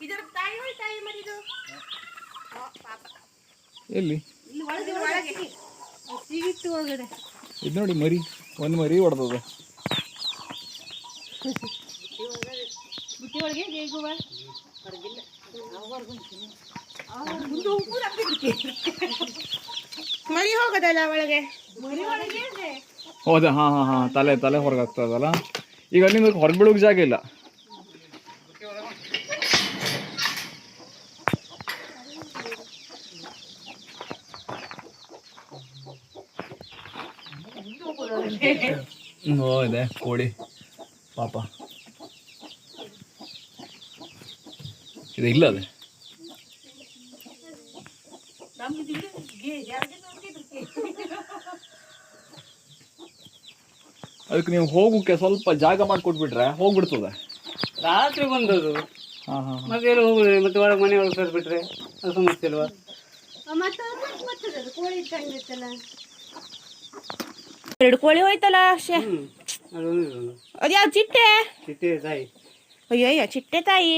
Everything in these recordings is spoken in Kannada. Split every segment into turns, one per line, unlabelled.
ಎಲ್ಲಿ ಇದು ನೋಡಿ ಮರಿ, ಒಂದು ಮರಿ ಹೊಡೆದದ.
ಮರಿ ಹೋಗದಲ್ಲ ಒಳಗೆ.
ಹೌದಾ? ಹಾಂ ಹಾಂ ಹಾಂ, ತಲೆ ತಲೆ ಹೊರಗೆ ಆಗ್ತದಲ್ಲ. ಈಗ ಅಲ್ಲಿಂದ ಹೊರಗೆ ಬೀಳೋಕೆ ಜಾಗ ಇಲ್ಲ. ಇದೆ ಕೋಳಿ ಪಾಪ. ಇದು ಇಲ್ಲ ಅದೇ. ಅದಕ್ಕೆ ನೀವು ಹೋಗೋಕ್ಕೆ ಸ್ವಲ್ಪ ಜಾಗ ಮಾಡಿಕೊಟ್ಬಿಟ್ರೆ ಹೋಗ್ಬಿಡ್ತದೆ.
ರಾತ್ರಿ ಬಂದದು.
ಹಾಂ ಹಾಂ,
ಮತ್ತೆ ಎಲ್ಲ ಹೋಗುದು, ಮತ್ತೆ ಒಳಗೆ ಮನೆ ಒಳಗೆ ಕರೆದ್ಬಿಟ್ರೆ ಅದು ಸಮಸ್ಯೆ ಅಲ್ವಾ?
ಎರಡು ಕೋಳಿ ಹೋಯ್ತಲ್ಲ. ಅದ್ಯಾವ ಚಿಟ್ಟೆ?
ಚಿಟ್ಟೆ ತಾಯಿ.
ಅಯ್ಯಯ್ಯ, ಚಿಟ್ಟೆ ತಾಯಿ.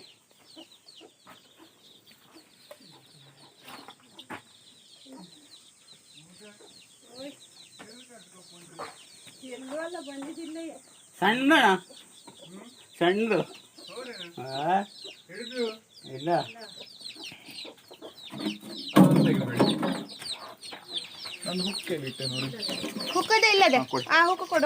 ಸಣ್ಣ ಸಣ್ಣದು ಇಲ್ಲ.
ಹುಕ್ಕದೇ ಇಲ್ಲದೆ. ಆ ಹುಕ್ಕ ಕೊಡು.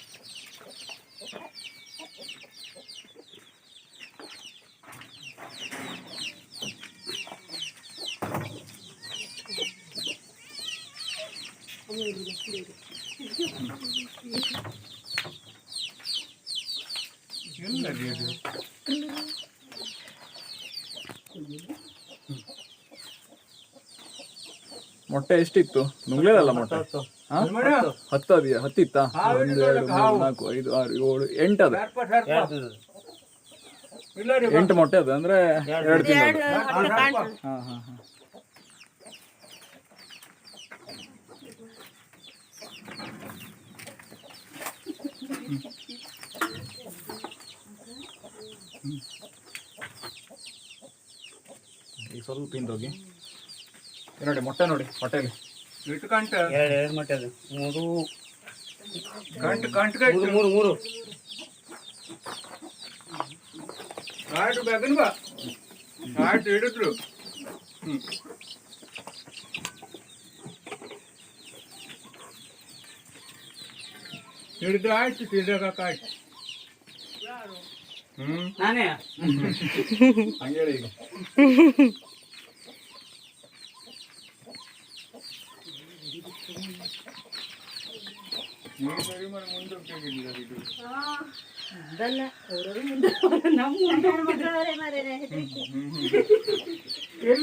ಮೊಟ್ಟೆ ಎಷ್ಟಿತ್ತು? ನುಗ್ಲೇದಲ್ಲ ಮೊಟ್ಟೆ. 10 ಅದೆಯಾ? 10 ಇತ್ತಾ? 1 2 3 4 5 6 7 8 ಅದ. 8 ಮೊಟ್ಟೆ ಅದ ಅಂದ್ರೆ 2 ತಿಂಗಳು. ಹಾಂ ಹಾಂ ಹಾಂ. ಈಗ ಸ್ವಲ್ಪ ಹಿಂದೋಗಿ ನೋಡಿ ಮೊಟ್ಟೆ ನೋಡಿ. ಹೊಟ್ಟೆಲಿ
ಎಷ್ಟು ಗಂಟೆ? ಎರಡು ಮೊಟ್ಟೆ ಅದು. ಮೂರು ಮೂರು ಆಯ್ತು. ಬೇಕನ್ ಬಾ ಆಯ್ತು ಹಿಡಿದ್ರು. ಹಿಡಿದು ಆಯ್ತು ತಿರ್ಗಾಕಾಯ್ತು. ನಾನೇ
ಹಂಗೇಳಿ ಈಗ.
ಅದಲ್ಲ, ಅವರು ಮುಂದೆ ನಮ್ಮ ಮುಂದೆ